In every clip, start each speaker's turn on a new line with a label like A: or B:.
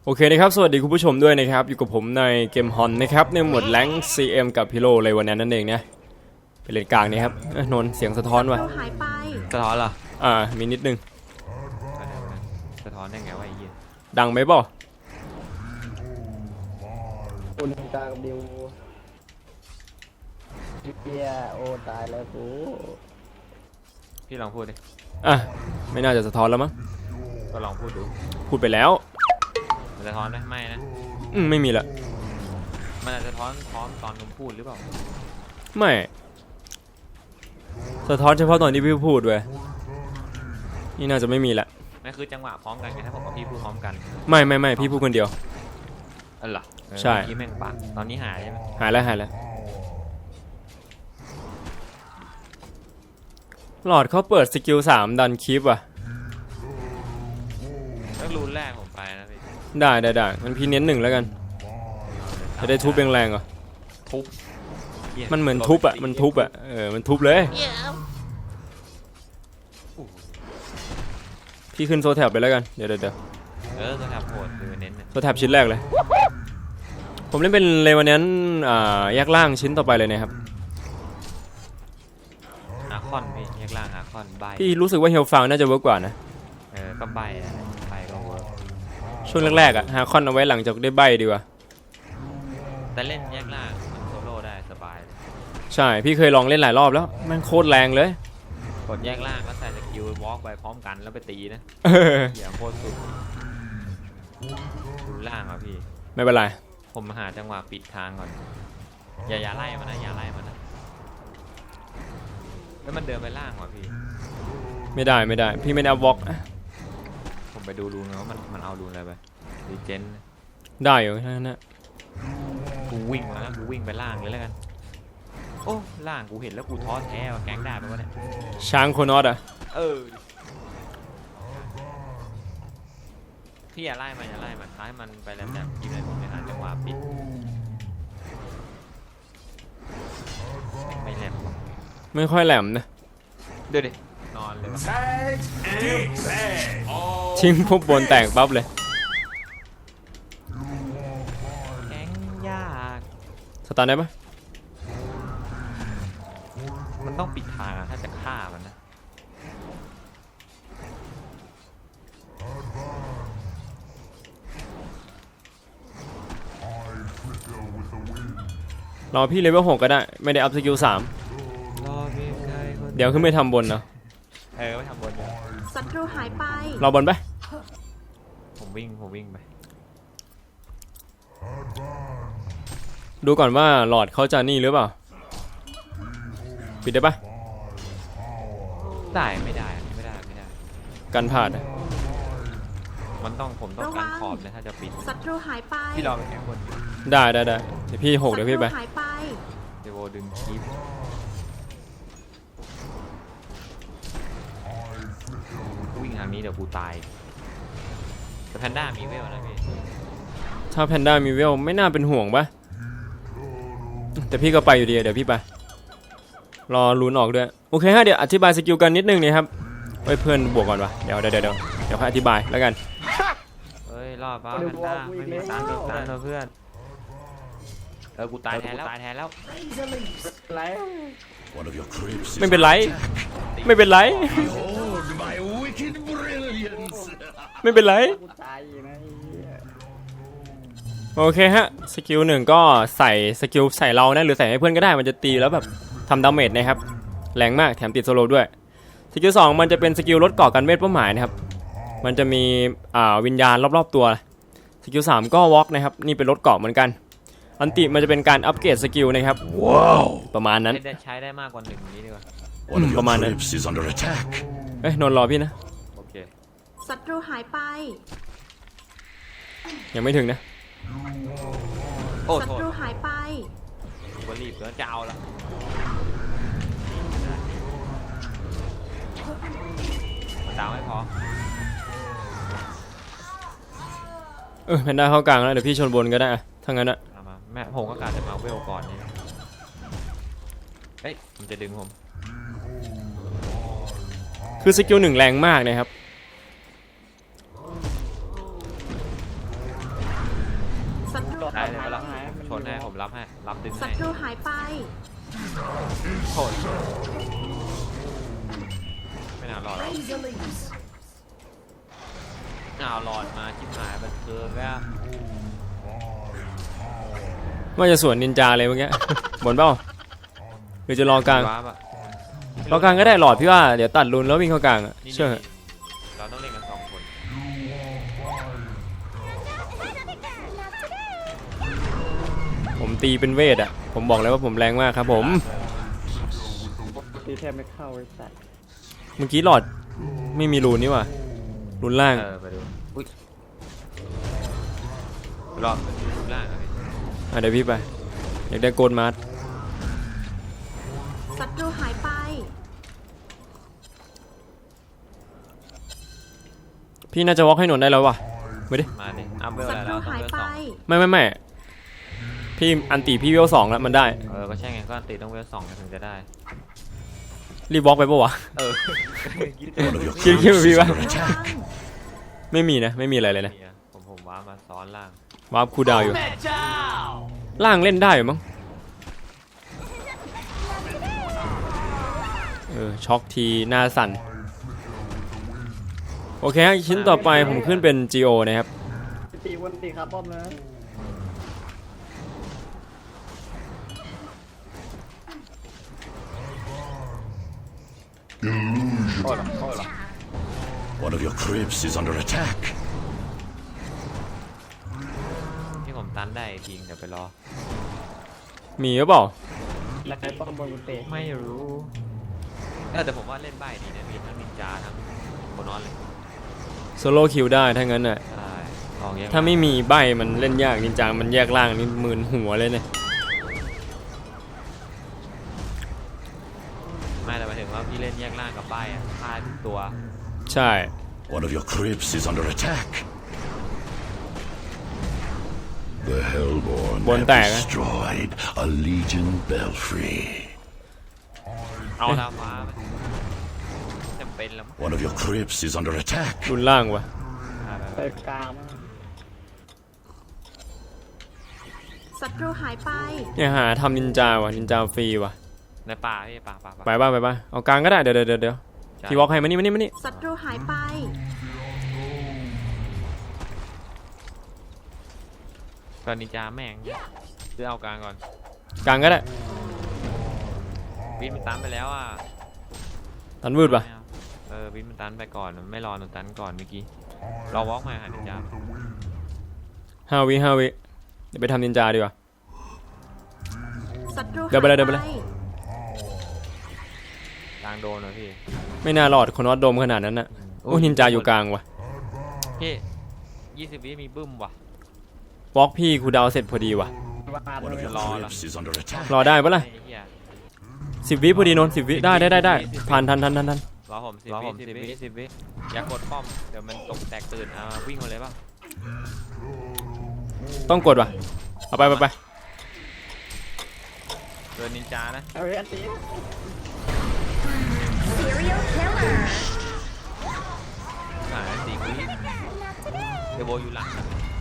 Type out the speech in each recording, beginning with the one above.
A: โอเคนะครับสวัสดีคุณผู้ชมด้วยนะครับอยู่กับผมในเกมฮอนนะครับในหมวดแรงค์ CM กับพิโลเลยวันนั้นนั่นเองนะเป็นเลนกลางนี่ครับนนท์เสียงสะท้อนว่ะ
B: หายไป
C: สะท้อนเหรอ
A: มีนิดนึง
C: สะท้อนได้ไงวะไอ้เหี้ย
A: ดังไหมบ่
D: อุณกลางกับดิวเฮียโอ้ตายแล้วกู
C: พี่ลองพูดดิ
A: ไม่น่าจะสะท้อนแล้วมั้ง
C: ก็ลองพูดดู
A: พูดไปแล้ว
C: มันสะท้อนไหมไม่นะ
A: ไม่มีละ
C: มันอาจจะสะท้อนตอนผมพูดหรือเปล่า
A: ไม่สะท้อนเฉพาะตอนที่พี่พูดเว้ยนี่น่าจะไม่มีละ
C: นั่นคือจังหวะพร้อมกันไงถ้าผมกับพี่พูดพร้อมกัน
A: ไม่พี่พูดคนเดียว
C: เหรอ
A: ใช่
C: พี่แม่งปากตอนนี้หายใช่ไหม
A: หายแล้วหลอดเขาเปิดสกิล3ดันคลิปอ่ะ
C: แล้วรูนแรกผมไปนะพี่
A: ได้มันพี่เน้น1แล้วกันจะได้ทุบแรงๆเหรอ
C: ทุบ
A: มันเหมือนทุบอ่ะมันทุบมันทุบเลยพี่ขึ้นโซแท็บไปแล้วกันเดี๋ยว
C: โซแท็บโหดคือเน้น
A: โซแท็บชิ้นแรกเลยผมเล่นเป็นเลวันนั้นแยกล่างชิ้นต่อไปเลยนะครับ
C: อาคอนพี่แยกล่างอาคอนใบ
A: พี่รู้สึกว่าเฮลฟังน่าจะเวิร์กกว่านะ
C: ก็ใบก็เวิร์ก
A: ช่วงแรกๆฮาคอนเอาไว้หลังจากได้ใบดีกว่า
C: แต่เล่นแยกล่างมันโซโล่ได้สบาย
A: ใช่พี่เคยลองเล่นหลายรอบแล้วมันโคตรแรงเลย
C: กดแยกล่างก็ใส่สกิลวอล์กไปพร้อมกันแล้วไปตีนะอย่าโคตรสุดดูล่างอ่ะพี่
A: ไม่เป็นไร
C: ผมหาจังหวะปิดทางก่อนอย่าไล่มันนะแล้วมันเดินไปล่างว่ะพี่
A: ไม่ได้พี่ไม่ได้วอล์ก
C: ผมไปดูรูนแล้วมันเอารูนอะไรไปรีเจน
A: ได้อยู่แค่นั้นนะ
C: กูวิ่งมาแล้วกูวิ่งไปล่างเลยแล้วกันโอ้ล่างกูเห็นแล้วกูท้อแท้ว่าแก๊งได้ไปวะเนี่ย
A: ช้างโคโนอส
C: พี่อย่าไล่มันท้ายมันไปแล้วแบบยิงเลยผมไปหาจังหวะปิดไม่แหลม
A: ไม่ค่อยแหลมนะ
C: เดี๋ยวดินอนเลย
A: ทิ้งพวกบนแตกปั๊บเลย
C: แก๊งยาก
A: สตาร์ทได้ปะ
C: มันต้องปิดทางถ้าจะฆ่ามันนะ
A: รอพี่เลเวล6ก็ได้ไม่ได้อัพสกิล3เดี๋ยวขึ้นไปทำบนเนาะ
C: ไม่ทำบน
B: ศัตรูหายไป
A: รอบนไป
C: ผมวิ่งไป
A: ดูก่อนว่าหลอดเขาจะนี่หรือเปล่าปิดได้ปะ
C: ได้ไม่ได้
A: กันผ่านนะ
C: ผมต้องการขอบเลยถ้าจะปิด
B: ศัตรูหายไป
C: พี่รอไปแข่งบน
A: ได้เดี๋ยวพี่6เดี๋ยวพี่ไป
C: เดี๋ยวดึงคลิปวิ่งทางนี้เดี๋ยวกูตายแต่แพนด้ามีเวลนะพี่
A: ถ้าแพนด้ามีเวลไม่น่าเป็นห่วงปะแต่พี่ก็ไปอยู่ดีเดี๋ยวพี่ไปรอลุ้นออกด้วยโอเคฮะเดี๋ยวอธิบายสกิลกันนิดนึงนี่ครับเพื่อนบวกก่อนวะเดี๋ยวค่อยอธิบายแล้วกัน
C: รอบแพนด้าไม่มีตันเลยเพื่อนกูตายแทนแล้ว
A: ไม่เป็นไรไม่เป็นไรโอเคฮะสกิล1ก็ใส่สกิลใส่เรานะหรือใส่ให้เพื่อนก็ได้มันจะตีแล้วแบบทำดาเมจนะครับแรงมากแถมติดโซโลด้วยสกิล2มันจะเป็นสกิลลดก่อกันเวทเป้าหมายนะครับมันจะมีวิญญาณรอบๆตัวสกิล3ก็วอล์กนะครับนี่เป็นลดเกาะเหมือนกันอันติมันจะเป็นการอัปเกรดสกิลนะครับว้าวประมาณนั้น
C: ใช้ได้มากกว่า1นี้ดีกว่า
A: ประมาณนั้นนนรอพี่นะ
C: โอเค
B: ศัตรูหายไป
A: ยังไม่ถึงนะ
B: ศัตรูหายไป
C: กูรีบแล้วจะเอาละมันดาวไม่พอ
A: แพนด้าเข้ากลางแล้วเดี๋ยวพี่ชนบนก็ได้ถ้างั้นอะ
C: แม่ผมก็กะจะมาเวลก่อนนี่มันจะดึงผม
A: คือสกิล1แรงมากนะครับ
B: ศัตรู
C: ได้
B: หาย
C: เลย
B: ไป
C: ปะล่ะชนให้ผมรับให้รับดึง
B: ศั
C: ให้
B: ตรูหายไป
C: โทษไม่น่ารอดหรอกรอดมาชิบหายบันเทิงแล้ว
A: ว่าจะสวนนินจาเลยเมื่อกี้ บนเปล่าหรือจะรอกลาง
C: ว้าบอะ
A: รอกลางก็ได้หลอดพี่ว่าเดี๋ยวตัดรุนแล้ววิ่งเข้ากลางอะ
C: นี่
A: เชื่อเถอะ
C: เราต้องเล่นกัน2 คน
A: ผมตีเป็นเวทอะผมบอกเลยว่าผมแรงมากครับผม
D: ตีแทบไม่เข้าไอ้สัตว์
A: เมื่อกี้หลอดไม่มีรูนนี่หว่ารูนล่าง
C: ไปดูอุ้ยรอบรูปล่างอะพี่
A: เดี๋ยวพี่ไปอยากได้โกลด์มาร์ท
B: ศัตรูหายไป
A: พี่น่าจะวอล์กให้หนวดได้แล้วว่ะไม่ดิ
C: มาดิอัพเวล
B: ศั
C: อะไร
B: ตรู
C: แล้วต้อง
B: หาย
C: เวล
B: ไป
C: 2
A: ไม่พี่อันตีพี่เวล2แล้วมันได้
C: ก็ใช่ไงก็อันติต้องเวล2ถึงจะได้
A: รีบวอล์กไปปะวะ
E: One of your
A: คิด
E: crypts
A: พี่
E: is
A: ว่า
E: under attack.
A: ไม่มีนะไม่มีอะไรเลยนะ
C: ผมว้ามาซ้อนล่าง
A: วาร์ปคูลดาวน์อยู่ล่างเล่นได้อยู่มั้งช็อกทีหน้าสั่นโอเคฮะชิ้นต่อไปผมขึ้นเป็น GO นะครับ
D: ตีวันตีครับป้อมนะ
E: One of your crypts is under attack.
C: ที่ผมตันได้จริงเดี๋ยวไปรอ
A: มีหรือเปล่า
D: แล้วใครป้อมบนเตะ
C: ไม่รู้แต่ผมว่าเล่นใบดีนะมีทั้งนินจาทั้งโคนอนเลย
A: โซโล่คิวได้ถ้างั้นน่ะ
C: ใช่ลองแยก
A: ถ้าไม่มีใบมันเล่นยากนินจามันแยกล่างนี่หมื่นหัวเลยเนี่ย
C: ไม่แต่หมายถึงว่าพี่เล่นแยกล่างกับใบอ่ะฆ่าทุกตัว
A: ใช่
E: One of your crypts is under attack. The Hellborn
A: Buồn
E: have
A: tẻ á.
E: destroyed a Legion belfry.
C: เอาดาวฟ้าไปจำเป็นแล้วมั้ง
E: One of your crypts is under attack.
A: รุนล่างวะ
D: ไปกลางมา
B: ศัตรูหายไป
A: เนี่ยหาทำนินจาวะนินจาฟรีวะ
C: ในป่าพี่ป่า
A: ไปบ้างเอากลางก็ได้เดี๋ยวพี่วอล์กให้มานี่
B: ศัตรูหายไป
C: ก่อนนินจาแม่งเลือกเอากลางก่อน
A: กลางก็ได้
C: วินมันตันไปแล้วอ่ะ
A: ตันวืดปะ
C: วินมันตันไปก่อนไม่รอหนูตันก่อนเมื่อกี้รอวอล์กมาหานินจา
A: 5 วิเดี๋ยวไปทำนินจาดีกว่า
B: ศัตรู
A: เดี๋ยวไปเลย
C: กลางโดนเลยพี่
A: ไม่น่ารอดคนวัดโดมขนาดนั้นน่ะโอ้นินจาอยู่กลางวะ
C: พี่20 วิมีบึ้มว่ะ
A: วอล์กพี่คูลดาวน์เสร็จพอดีวะ
E: One of your
C: Lol.
E: crypts is under attack.
A: รอได้ปะล่ะ
C: ไอ้เหี้ย
A: 10 วิพอดีนนท์10 วิได้ผ่านทัน
C: รอผม10 วิอย่ากดป้อมเดี๋ยวมันตกแตกตื่นวิ่งมาเลยป่ะ
A: ต้องกดวะเอาไป
C: เดินนินจานะ
D: เอาไว้อันตี
C: 4 วิเดโบอยู่หลัง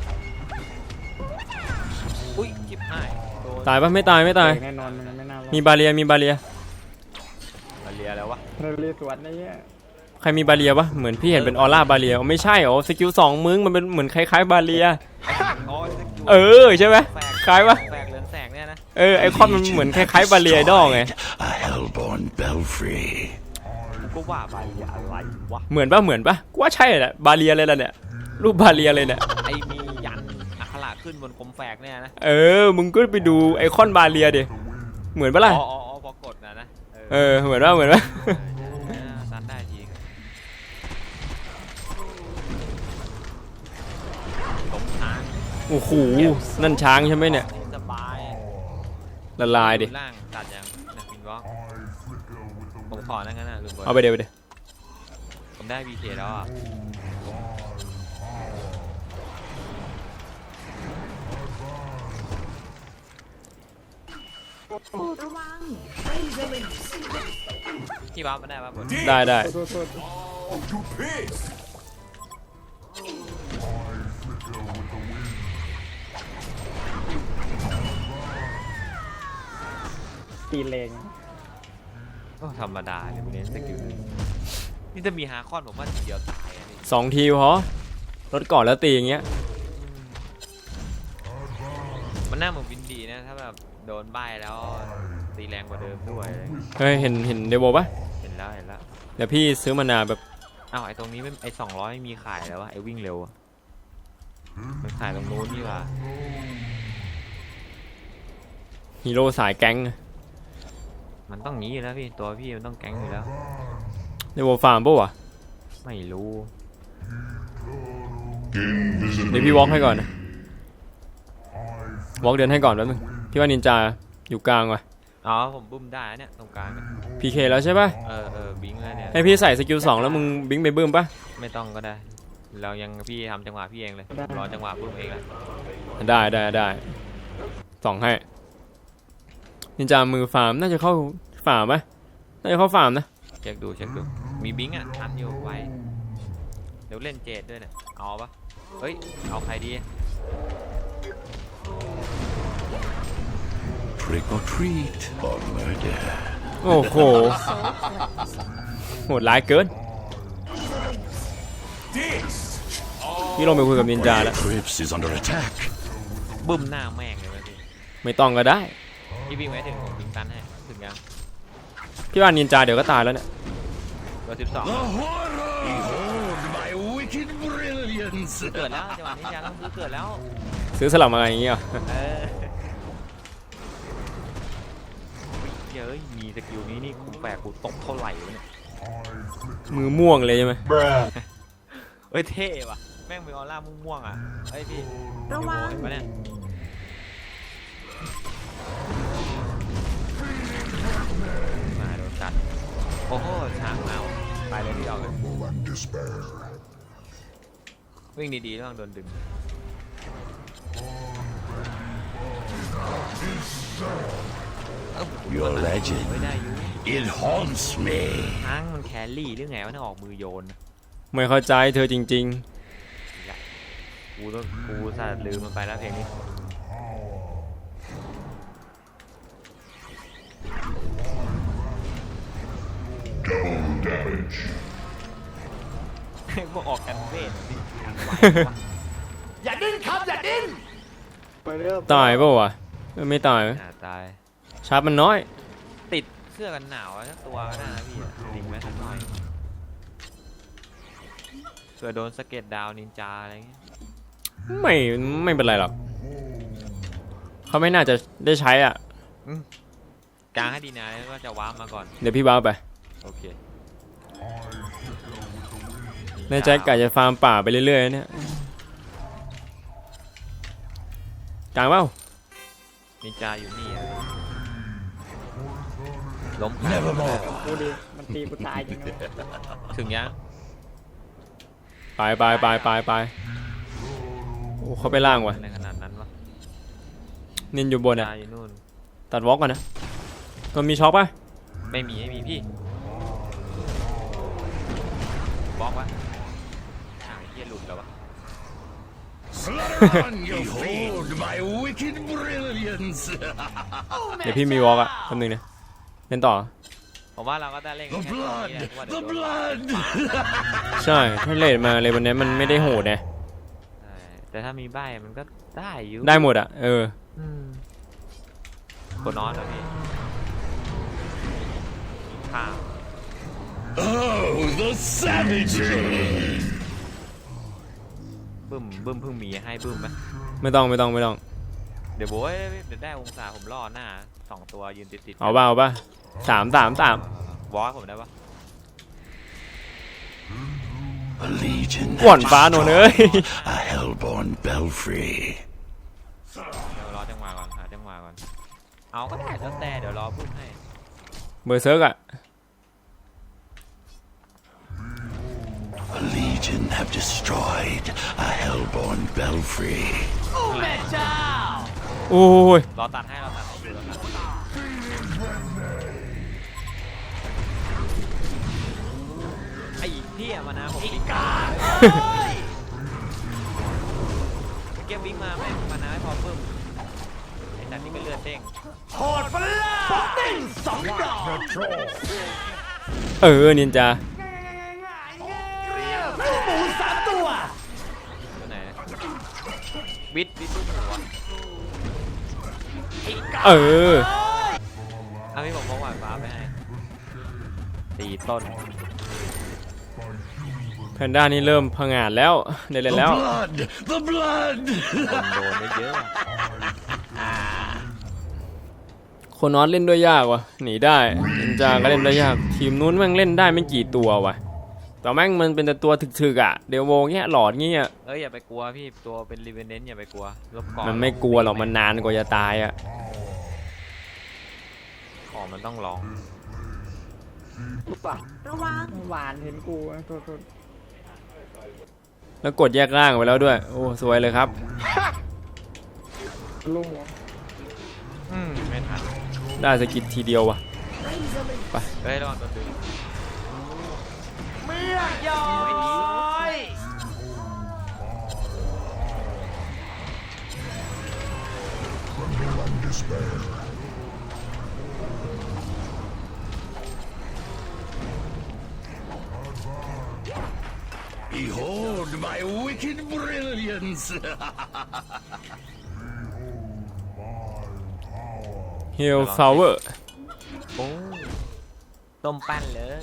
C: อุ้ยจิบหายโดน
A: ตายปะไม่ตาย
D: แน่นอนมันไม่น่ารอด
A: มีบาเรีย
C: มาเลียแล้ววะ
D: เราเรียกสวนนะเนี่ย
A: ใครมีบาเรียปะเหมือนพี่เห็นเป็นออร่าบาเรียไม่ใช่สกิล2มึงมันเป็นเหมือนคล้ายๆบาเรีย ใช่ไหมคล้ายปะ
C: แฝกเรืองแสงเนี่ยนะ
A: ไอคอนมันเหมือนคล้ายๆบาเรียดอไง
E: A Hellborn belfry.
C: กูก็ว่าไปอะไรวะ
A: เหมือนปะกูว่าใช่แหละบาเรียเลยล่ะเนี่ยรูปบาเรียเลยเนี่ย
C: ไอ้มียันอักขระขึ้นบนคมแฝกเนี่ยนะ
A: มึงก็ไปดูไอคอนบาเรียดิเหมือนปะล่ะ
C: อ๋อพอกดนะ
A: เหมือนปะ
C: ซันได้จริงล้มช้าง
A: โอ้โหนั่นช้างใช่ไหมเนี่ย
C: สบาย
A: ละลายดิ
C: ล่างตัดยังนะพินวอล์กผมขอนั่นกันนะลืมกด
A: เอาไปเดี๋ยว
C: ผมได้ VK แล้วอ่ะ
B: ระวัง
C: ที่บ้าไม่ได้ป่ะผม
A: ได้
D: โทษ
C: เ
D: ตีเลง
C: ก็ธรรมดาเลยมันเน้นสกิลนี่จะมีฮาคอนผมว่าทีเดียวตายอะนี่
A: 2 ทีพอลดก่อนแล้วตีอย่างเงี้ย
C: มันน่าเหมือนวินดีนะถ้าแบบโดนใบแล้วตีแรงกว่าเดิมด้วย
A: เฮ้ยเห็นเดโวปะ
C: เห็นแล้วเห็นแล้ว
A: เดี๋ยวพี่ซื้อมานาแบบ
C: อ้าวไอ้ตรงนี้ไม่ไอ้200ไม่มีขายแล้ววะไอ้วิ่งเร็วอะมันขายตรงนู้นนี่หว่า
A: ฮีโร่สายแก๊ง
C: มันต้องงี้อยู่แล้วพี่ตัวพี่มันต้องแก๊งอยู่แล้ว
A: เดโวฟาร์มปะวะ
C: ไม่รู้
A: เดี๋ยวพี่วอล์กให้ก่อนนะวอล์กเดินให้ก่อนแป๊บนึงพี่ว่านินจาอยู่กลางว่ะ
C: อ๋อผมบึ้มได้นะเนี่ยตรงกลางเนี่ย
A: พีเคแล้วใช่ปะ
C: บิงแล้วเนี่ย
A: ให้พี่ใส่สกิล2แล้วมึงบิงไปบึ้มปะ
C: ไม่ต้องก็ได้เรายังพี่ทำจังหวะพี่เองเลยรอจังหวะบึ้มเองแหละ
A: ได้ส่องให้นินจามือฟาร์มน่าจะเข้าฟาร์มไหมน่าจะเข้าฟาร์มนะ
C: เช็คดูมีบิงอ่ะทันอยู่ไว้เดี๋ยวเล่นเจดด้วยเนี่ยเอาปะเฮ้ยเอาใครดี
E: Trick or treat or murder.
A: โอ้โหโหดร้ายเกินพี่ลงไปคุยกับนินจาแล้ว
E: Eclipse is under attack.
C: บึ้มหน้าแม่งเลยไหมพี่
A: ไม่ต้องก็ได้
C: พี่บิงไว้ถึงผมบิงตันให้ถึงยัง
A: พี่ว่านินจาเดี๋ยวก็ตายแล้วเนี่ย
C: เบอร์
E: The horror! Behold my wicked brilliance.
C: 12เกิดแล้วจังหวะนี้ยังต้องซื้อเกิดแล้ว
A: ซื้อสลับมาอย่างเงี้ยเหรอ
C: เฮ้ยมีสกิลนี้นี่กูแปลกกูตกเท่าไหร่วะเนี่ย
A: มือม่วงเลยใช่ไหม
C: เฮ้ยเท่ว่ะแม่งเป็นออร่าม่วงๆอ่ะเฮ้ยพี่
B: ระวัง
C: เห็นปะเนี่ยมาโดนกัดโอ้โหช้างเอาไปเลยที่ออกเลยวิ่งดีๆระวังโดนดึง
E: Your
C: ไม่
E: legend.
C: ได้อยู่
E: It haunts me.
C: ช้างมันแครี่หรือไงวะเนี่ยออกมือโยน
A: ไม่เข้าใจเธอจริง
C: กูสัตว์ลืมมันไปแล้วเพลงนี้พวกออกกันเวทสิอย่าดิ้นครับอย่าดิ้น
D: ไปเรื่อย
A: ๆ ตายเปล่าวะไม่ตาย
C: ตาย
A: ชาร์ปมันน้อย
C: ติดเสื้อกันหนาวสักตัวก็ได้นะพี่ดิ่งไว้สักหน่อยเผื่อโดนสะเก็ตดาวนินจาอะไรเงี้ย
A: ไม่เป็นไรหรอกเขาไม่น่าจะได้ใช้อ่ะ
C: กลางให้ดีนะแล้วก็จะว้าร์ปมาก่อน
A: เดี๋ยวพี่บ้าไป
C: โอเค
A: ในใจกะจะฟาร์มป่าไปเรื่อยๆเนี่ยกลางเปล่า
C: นินจาอยู่นี่อะล้ม
E: Nevermore.
D: กูดิมันตีกูตายจริงนะ
C: ถึงยัง
A: ไปโอ้เขาไปล่างว่ะ
C: ในขนาดนั้นวะ
A: นินอยู่บน
C: นิน
A: อ่ะ
C: จาอยู่นู่น
A: ตัดวอล์กก่อนนะมันมีช็อคป่ะ
C: ไม่มีพี่บล็อกวะอ้าวไอ้เหี้ยหลุดแล้ววะ
E: Slaughter on your Behold my wicked brilliance.
A: เดี๋ยวพี่มีวอล์กอ่ะแป๊บนึงนะเล่นต่อ
C: ผมว่าเราก็ได้เล่น
E: The
C: แค่ตรงนี้แหละ
E: blood.
C: เพราะว่าเดี๋ย
E: The
C: วโดน
E: blood.
A: ใช่ถ้าเลดมาเลยวันนี้มันไม่ได้โหดนะ
C: ใช่แต่ถ้ามีใบมันก็ได้อยู่
A: ได้หมดอ่ะ
C: คนนอนแล้วพี่ข้าว
E: Oh, the savagery.
C: บึ้มเพิ่งมีให้บึ้มไหม
A: ไม่ต้อง
C: เดี๋ยวโว้ยเดี๋ยวได้องศาผมล่อหน้า2ตัวยืนติด
A: เอาป่ะสาม
C: วอลผมได้ปะ
E: A legion
A: ก่อน
E: have
A: ฟ้าโนนเอ้ย
E: destroyed a hellborn belfry.
C: เดี๋ยวรอจังหวะก่อนหาจังหวะก่อนเอาก็ได้แล้วแต่เดี๋ยวรอบึ้มให้
A: เบอร์เซิร์กอ่ะ
E: A legion have destroyed a hellborn belfry.
A: โอ้ย
C: รอตัดให้อยู่ไอ้พี่มานะผมบิ๊กเก็บบิ๊กมาไม่มานะไม่พอเพิ่มไอ้แต่นี่ก็เลือดเด้ง
A: นินจา
C: ตัวไหนวิทลูกหัว เอาพี่ผมพกหวานฟ้าไปให้ตีต้น
A: แพนด้านี่เริ่มผงาดแล้วได้เล่น
E: The
A: แล้ว
E: blood! The blood!
C: โดนได้เยอะ
A: โคนอสเล่นด้วยยากว่ะหนีได้นินจาก็เล่นได้ยากทีมนู้นแม่งเล่นได้ไม่กี่ตัวว่ะแต่แม่งมันเป็นแต่ตัวถึกๆอ่ะเดวโวเงี้ยหลอดเงี้ย
C: อย่าไปกลัวพี่ตัวเป็นรีเวนเนนอย่าไปกลัวลบก่อน
A: มันไม่กลัวหรอกมันนานกว่าจะตายอ่ะ
C: ของมันต้องลอง
D: ปุ๊บปะ
B: ระวัง
D: หวานเห็นกูโทษ
A: แล้วกดแยกร่างไปแล้วด้วยโอ้สวยเลยครับ
D: ลุงหัว
C: ไม่ทัน
A: ได้สกิลทีเดียวว่ะ
C: เฮ้ยระวังโดนดึง
E: Behold my wicked brilliance!
A: เฮลฟลาวเวอร์
C: โอ้ต้มปั้นเลย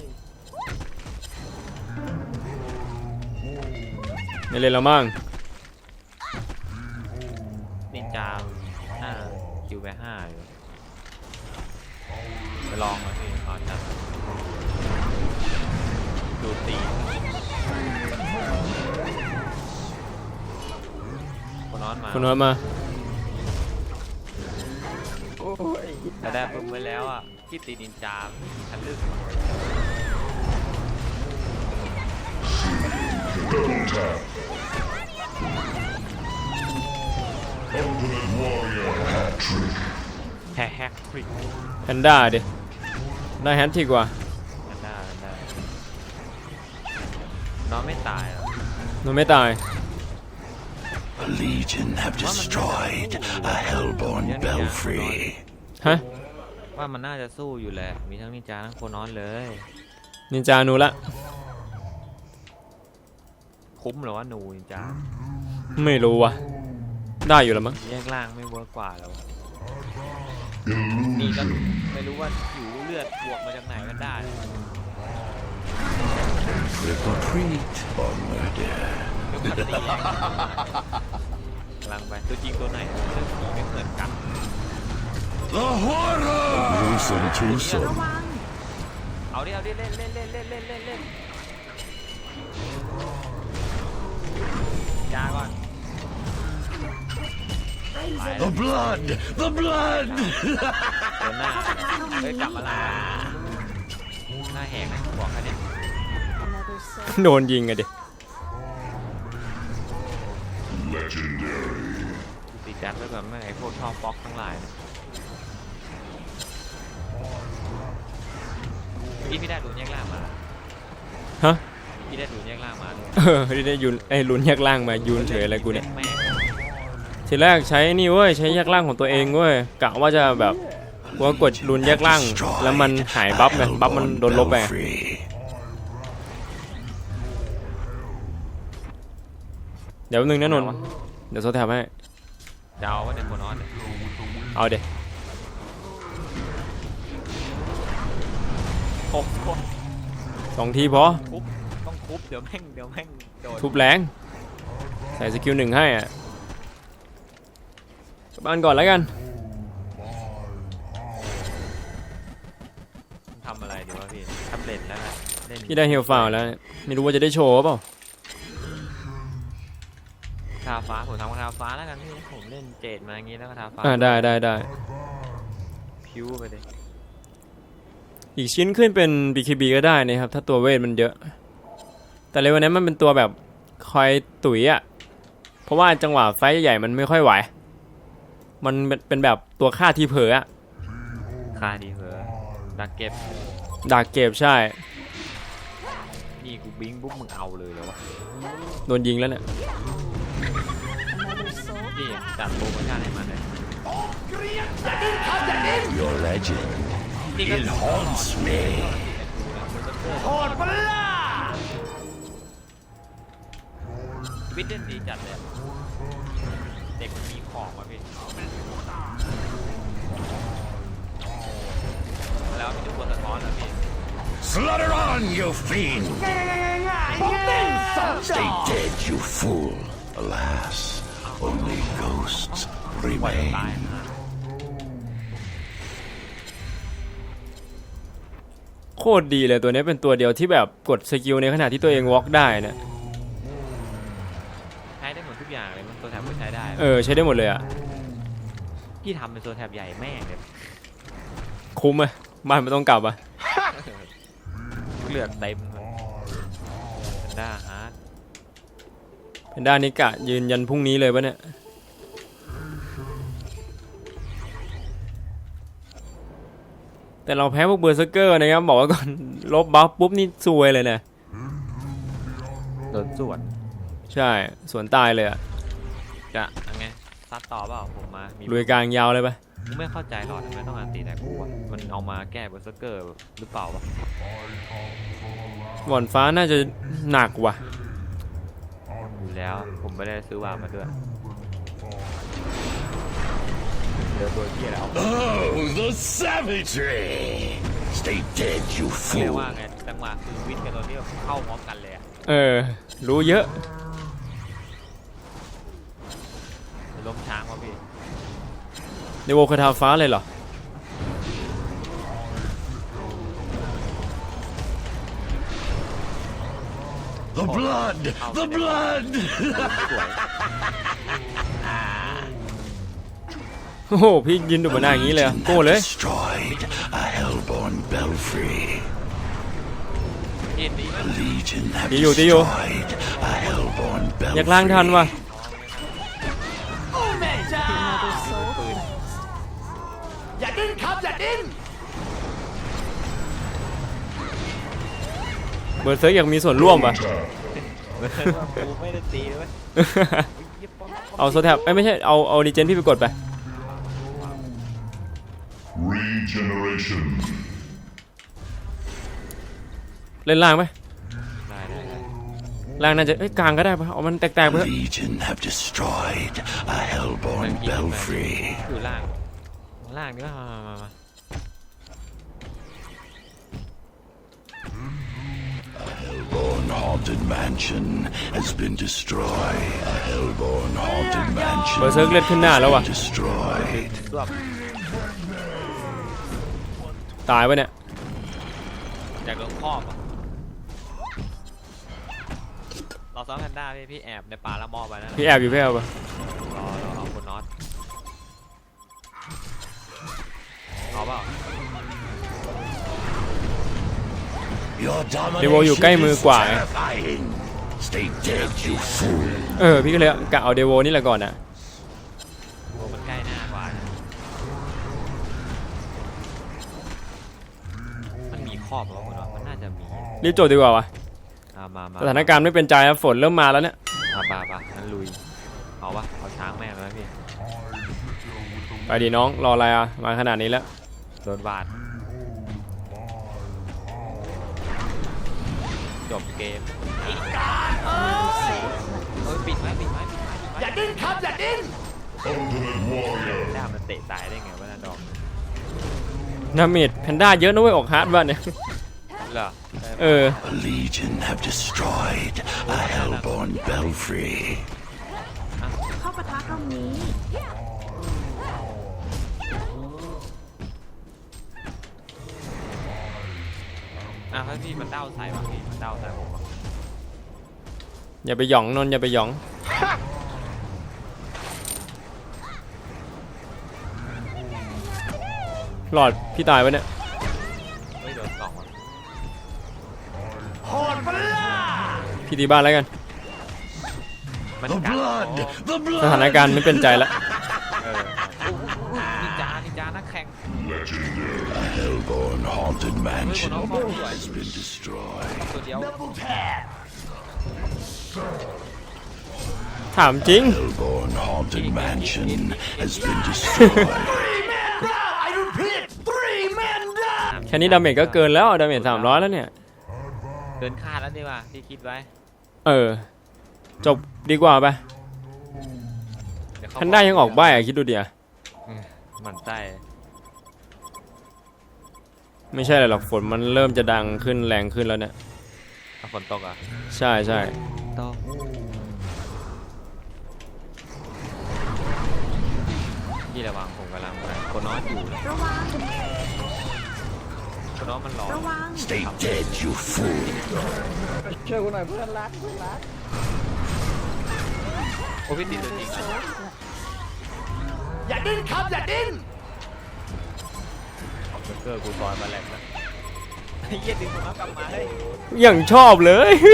A: ไม่เล่นแล้วมั้ง
C: นินจาคิวไป5อยู่ไปลองมาพี่ตอนนั้นดูตีคนน้อนมา
A: คุณน้อยมา
D: โอ้ย
C: แต่ได้ปุ๊บไว้แล้วอ่ะที่ตีนินจาทะลึ่ง
E: Ultimate warrior hat trick.
C: แฮกฟริก
A: แพนด้าดิได้แฮตทริกว่า
C: กันได้น้องไม่ตายหรอ
A: มันไม่ตาย
E: A legion have destroyed a hellborn belfry.
A: ฮะ
C: ว่ามันน่าจะสู้อยู่แหละมีทั้งนินจาทั้งโคนน้อนเลย
A: นินจาหนูละ
C: คุ้มเหรอว่าหนูนินจา
A: ไม่รู้ว่ะได้อยู่แล้วมั้ง
C: แยกล่างไม่เวิร์กกว่าแล้วนี่ก็ไม่รู้ว่าอยู่เลือดบวกมาจากไหนกันได้
E: Retreat or murder.
C: กำลังไปตัวจริงตัวไหนเรื่องผีไม่เหมือนกัน
E: The horror! Gruesome
B: ระ
E: twosome.
B: วัง
C: เอาดิเล่นจ้าก่อน
E: The blood! The blood!
C: เดินหน้าเฮ้ยกลับมาละหน้าแหกนะบอกแค่นี้
A: โดนยิงอะดิ
C: ติดจัดไว้ก่อนไม่ไอ้พวกชอบฟ็อกทั้งหลายนะพี่ได้ดูแยกล่างมา
A: ฮะ
C: พี่ได้ดูแยกล่างมาเลย
A: ได้ยุนไอ้ลุ้นแยกล่างมายุนเฉยอะไรกูเนี่ย
C: แม่ง
A: ทีแรกใช้นี่เว้ยใช้แยกล่างของตัวเองเว้ยกะว่าจะแบบกูกดลุ้นแยกล่างแล้วมันหายบัฟไงบัฟมันโดนลบไป เดี๋ยวนึงนะนนท์เดี๋ยวโซแทบให้
C: จะเอาว่าในโคนอนเนี่ย
A: เอาเดี๋ยว
C: โอ้โห
A: 2 ทีพอ
C: คุบต้องคุบเดี๋ยวแม่งโดน
A: ทุบแรงใส่สกิล 1ให้อ่ะกลับบ้านก่อนแล้วกัน
C: ทำอะไรดีวะพี่แท็บเล็ตแล้วนะเล่น
A: พี่ได้เฮลฟาวแล้วไม่รู้ว่าจะได้โชว์เปล่า
C: ทาฟ้าผมทำทาฟ้าแล้วกันพี่ผมเล่นเจดมาอย่างงี้แล้วก็ทาฟ้า
A: ได้
C: พิ้วไปเลย
A: อีกชิ้นขึ้นเป็น BKB ก็ได้นะครับถ้าตัวเวทมันเยอะแต่เลยวันนี้มันเป็นตัวแบบคอยตุ๋ยอ่ะเพราะว่าจังหวะไฟใหญ่ๆมันไม่ค่อยไหวมันเป็นแบบตัวฆ่าทีเผลออ่ะ
C: ค่าดีเหรอดักเก็บ
A: ดาร์กเกฟใช่
C: นี่กูบิงปุ๊บมึงเอาเลยเหรอวะ
A: โดนยิงแล้วเนี่ย
C: นี่จัดโปรโมชั่นให้มันเลย
E: Your legend, it haunts me.
C: วิทย์เล่นดีจัดเลยอะเด็กมันมีของว่ะพี่แล้วมีทุกคนสะท้อนนะพี่
E: Slaughter on, you fiend! Stay dead, you fool. Alas, only ghosts
C: ตาย
E: remain.
C: นะ
A: โคตรดีเลยตัวนี้เป็นตัวเดียวที่แบบกดสกิลในขณะที่ตัวเองวอล์กได้นะ
C: ใช้ได้หมดทุกอย่างเลยมันตัวแถบก็ใช้ได้
A: ใช้ได้หมดเลยอ่ะ
C: พี่ทำเป็นตัวแถบใหญ่แม่งเลย
A: คุ้มอ่ะบ้านไม่ต้องกลับอ่ะ
C: เลือดเต็มเลยเป็นด้าฮาร์ด
A: เป็นด้านนี้กะยืนยันพรุ่งนี้เลยปะเนี่ยแต่เราแพ้พวกเบอร์เซอร์เกอร์นะครับบอกไว้ก่อน ลบบัฟปุ๊บนี่ซวยเลยนะ
C: โดนส่วน
A: ใช่สวนตายเลยอ่ะ
C: จะยังไงซัดต่อเปล่าผมมามี
A: ลุยกลางยาวเลยปะ
C: กูไม่เข้าใจหรอกทำไมต้องอันตีแต่กูอะมันเอามาแก้เบอร์เซอร์เกอร์หรือเปล่าวะ
A: หว่อนฟ้าน่าจะหนักว่ะ
C: อยู่แล้วผมไม่ได้ซื้อวางมาด้วยเจอตัวที่แล้ว
E: Oh, the savagery! Stay dead, you
C: เรียก
E: fool.
C: ว่าไงจังหวะคือวิทย์กับตัวนี้เข้าพร้อมกันเลยอะ
A: รู้เยอะ
C: ล้มช้างวะพี่
A: ในโวคาทาฟ้าเลยเหรอ
E: The blood! The blood!
C: สวย
A: โอ้โหพี่ยืนดูบนหน้าอย่างนี้เลยอะ
E: Legion
A: โก้
E: have
A: เลย
E: destroyed a hellborn belfry.
C: เห็นดีไหม
E: Legion have
A: ตีอยู่
E: destroyed a hellborn
A: อยากล้างทัน
E: belfry.
A: ว่ะ เบอร์เซิร์กอยากมีส่วนร่วมป่ะ
C: กูไม่ได้ตีเลย
A: เอาโซแท็บไม่ใช่เอาดีเจนพี่ไปกดไป
F: Regeneration.
A: เล่นล่างไหม
C: ได้
A: ล่างน่าจะกลางก็ได้ป่ะเอามันแตกๆไปเถอะ
E: Legion have destroyed a hellborn belfry.
C: คือล่างนี่ก็มา
E: Hellborn haunted mansion has been destroyed. A hellborn haunted
A: เบอร์
E: mansion
A: เซิร์กเลือดขึ้นหน้าแล้วว่ะ
E: destroyed.
C: รวบ
A: ตายปะเนี่ย
C: จากโดนครอบอะเราซ้อมแพนด้าพี่แอบในป่าละมอไปนั่นแหละ
A: พี่แอบอยู่พี่แอบป่ะ
C: รอเอาคนน็อตเอาเปล่า
E: Your
A: เดโวอยู่ใกล้
E: domination
A: มือ
E: is
A: กว่า
E: terrifying. Stay dead, you fool.
A: พี่ก็เลยกะเอาเดโวนี่แหละก่อนนะ
C: โอ้มันใกล้หน้ากว่ามันมีครอบเหรอคนน็อตมันน่าจะมี
A: รีบจบดีกว่าวะ
C: มา
A: สถานการณ์ไม่เป็นใจครับฝนเริ่มมาแล้วเนี่ย
C: ป่างั้นลุยเอาวะเอาช้างแม่งเลยพี่
A: ไปดีน้องรออะไรอ่ะมาขนาดนี้แล้ว
C: โดนบาดจบเกมเฮ้ยปิดไหมอย่าดิ้นครับอย่าดิ้น
F: Ultimate Warrior.
C: ด้ามันเตะตายได้ไงวะน่าดอก
A: ดาเมจแพนด้าเยอะนะเว้ยออกฮาร์ดบ้านเนี่ย
C: เหรอ
E: A legion have destroyed a hellborn belfry.
B: เข้าปะทะตรงนี้
C: ถ้าพี่มันเด้าใส่บางทีมันเด้าใส่ผมอะ
A: อย่าไปหยองนนท์อย่าไปหยองหลอดพี่ตายปะเนี่ย
C: ไม่โดนสองอ่ะ
A: พี่ตีบ้านแล้วกัน
C: มัน
E: The
C: กัด
E: blood! The
A: สถาน
E: blood!
A: การณ์ไม่เป็นใจแล้ว
C: นินจานักแข่ง
E: A hellborn haunted
C: เฮ้ย
E: mansion
C: คนน้องเข้าสวย
E: has been destroyed.
C: ตัวเดียว
A: ทถามจริง
E: Hellborn Haunted Mansion has been destroyed.
A: แค่นี้ดาเมจก็เกินแล้วดาเมจ300แล้วเนี่ย
C: เกินคาดแล้วดีกว่าที่คิดไว้
A: จบดีกว่าไป
C: เดี๋ยวเขา
A: ทันได้ยังออกใบอะคิดดูเดียว
C: หมันไส้
A: ไม่ใช่อะไรหรอกฝนมันเริ่มจะดังขึ้นแรงขึ้นแล้วเนี่ย
C: ฝนตกอ่ะ
A: ใช่ใช่
C: ตกพี่ระวังผมกำลังไปโคนน้อยอยู่เลย
B: ระวัง
C: โคนน้อยมันร้อน
B: ระวัง
E: Stay dead, you fool.
D: ช่วยกูหน่อยเพื่อนรักเพื่อนรัก
C: โอ้พี่ติดตัวจริงนะ
G: อย่าดิ้นครับอย่าดิ้น
C: ออกเกอร์กูซอยมาแหลกนะไอ้เหี้ยดึงผมกลับมาเฮ้ย
A: อย่างชอบเลย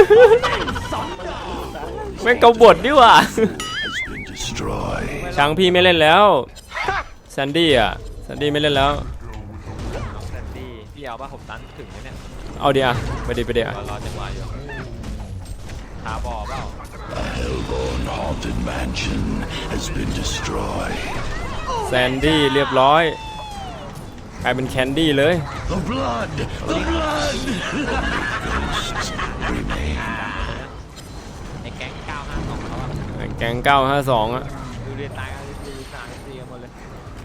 A: แม่งกบฏดิว่ะ
E: Has been destroyed.
A: ช้างพี่ไม่เล่นแล้วแซนดี้อ่ะแซนดี้ไม่เล่นแล้ว
C: น้องแซนดี้พี่เอาป่ะผมตันถึงไหมเนี่ย
A: เอาเดียวไปเดี๋ยว
C: รอจังหวะอยู่หาบอเปล่า
E: The Hellborn Haunted Mansion has been destroyed.
A: แซนดี้เรียบร้อยกลายเป็นแคนดี้เลย
E: The blood! The blood! Ghosts remain.
C: ไอ้แก๊ง952เขาอะ
A: แก๊ง952อ่ะ
C: ดูเรียนตายกันดูสามสี่กันหมดเลย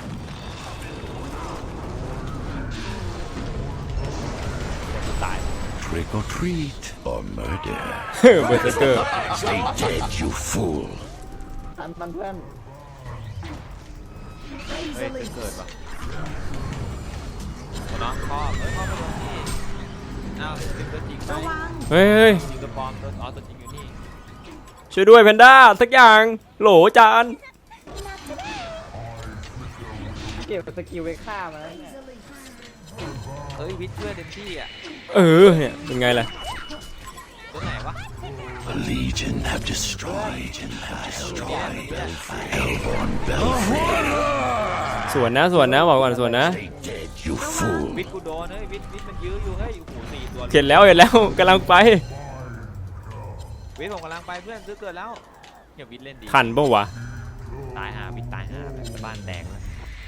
C: แต่กูตาย
E: Trick or treat or murder.
A: เบอร์เซอร์เกอร์
E: Stay dead, you fool.
D: อันมันเพื่อน
C: เฮ้ยเกิดป่ะน้องครอบเฮ้ยครอบไปลงนี่อ้าวจริงตัวจริงไหม
B: ระวัง
A: เฮ้ย
C: จริงตัวปลอมตัวตัวจริงอยู่นี่
A: ช่วยด้วยแพนด้าสักอย่างโหลจาน
D: เก็บสกิลไปฆ่ามันแล้วเนี่ย
C: เฮ้ยวิทย์ช่วยเต็มที่อ่ะ
A: เนี่ยเป็นไงล่ะ
C: ตัวไหนวะ
E: The Legion have destroyed Hellborn Belfry.
A: สวนนะบอกก่อนสวนนะ
E: Stay dead, you fool.
C: วิทย์กูโดนเฮ้ยวิทย์มันยื้ออยู่เฮ้ยโอ้โหสี่ตัว
A: เห็นแล้วกำลังไป
C: วิทย์ผมกำลังไปเพื่อนซื้อเกิดแล้วอย่าวิทย์เล่นดี
A: ทันปะวะ
C: ตายหาวิทย์ตายหาแบบบ้านแดงแล้ว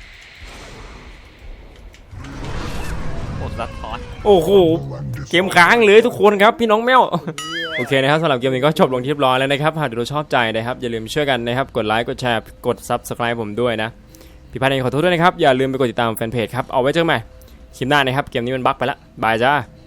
C: โคตรสะท้อน
A: โอ้โหเกมค้างเลยทุกคนครับพี่น้องแมว โอเคนะครับสำหรับเกมนี้ก็จบลงที่เรียบร้อยแล้วนะครับหากดูชอบใจนะครับอย่าลืมช่วยกันนะครับกดไลค์กดแชร์กด Subscribe ผมด้วยนะพี่พันธ์เองขอโทษด้วยนะครับอย่าลืมไปกดติดตามแฟนเพจครับเอาไว้เจอกันใหม่คลิปหน้านะครับเกมนี้มันบั๊กไปละบายจ้า